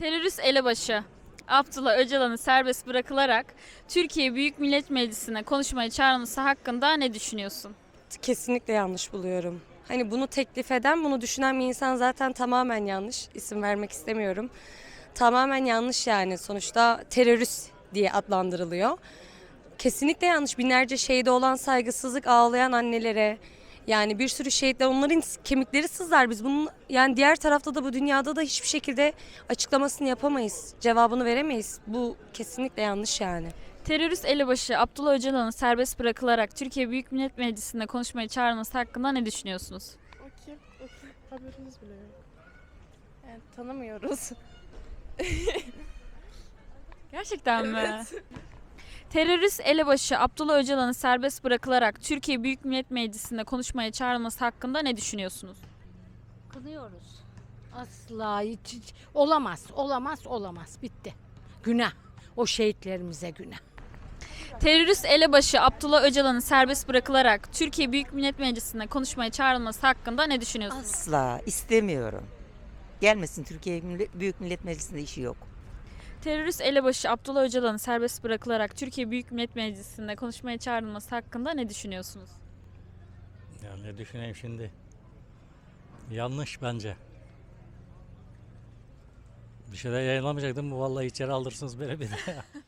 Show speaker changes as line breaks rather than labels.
Terörist elebaşı Abdullah Öcalan'ın serbest bırakılarak Türkiye Büyük Millet Meclisi'ne konuşmaya çağrılması hakkında ne düşünüyorsun?
Kesinlikle yanlış buluyorum. Hani bunu teklif eden, bunu düşünen bir insan zaten tamamen yanlış. İsim vermek istemiyorum. Tamamen yanlış yani. Sonuçta terörist diye adlandırılıyor. Kesinlikle yanlış. Binlerce şehide olan saygısızlık, ağlayan annelere, yani bir sürü şehitler, onların kemikleri sızlar. Biz bunun yani diğer tarafta da bu dünyada da hiçbir şekilde açıklamasını yapamayız. Cevabını veremeyiz. Bu kesinlikle yanlış yani.
Terörist elebaşı Abdullah Öcalan'ın serbest bırakılarak Türkiye Büyük Millet Meclisi'ne konuşmaya çağrılması hakkında ne düşünüyorsunuz?
O kim? O kim? Haberiniz bile yok.
Yani tanımıyoruz.
Gerçekten mi? Terörist elebaşı Abdullah Öcalan'ın serbest bırakılarak Türkiye Büyük Millet Meclisi'ne konuşmaya çağrılması hakkında ne düşünüyorsunuz?
Kınıyoruz. Asla hiç olamaz, olamaz, olamaz. Bitti. Günah. O şehitlerimize günah.
Terörist elebaşı Abdullah Öcalan'ın serbest bırakılarak Türkiye Büyük Millet Meclisi'ne konuşmaya çağrılması hakkında ne düşünüyorsunuz?
Asla istemiyorum. Gelmesin, Türkiye Büyük Millet Meclisi'nde işi yok.
Terörist elebaşı Abdullah Öcalan'ın serbest bırakılarak Türkiye Büyük Millet Meclisi'nde konuşmaya çağrılması hakkında ne düşünüyorsunuz?
Ya ne düşüneyim şimdi? Yanlış bence. Bir şeyler yayınlamayacaktım. Bu vallahi içeri alırsınız beni bir de.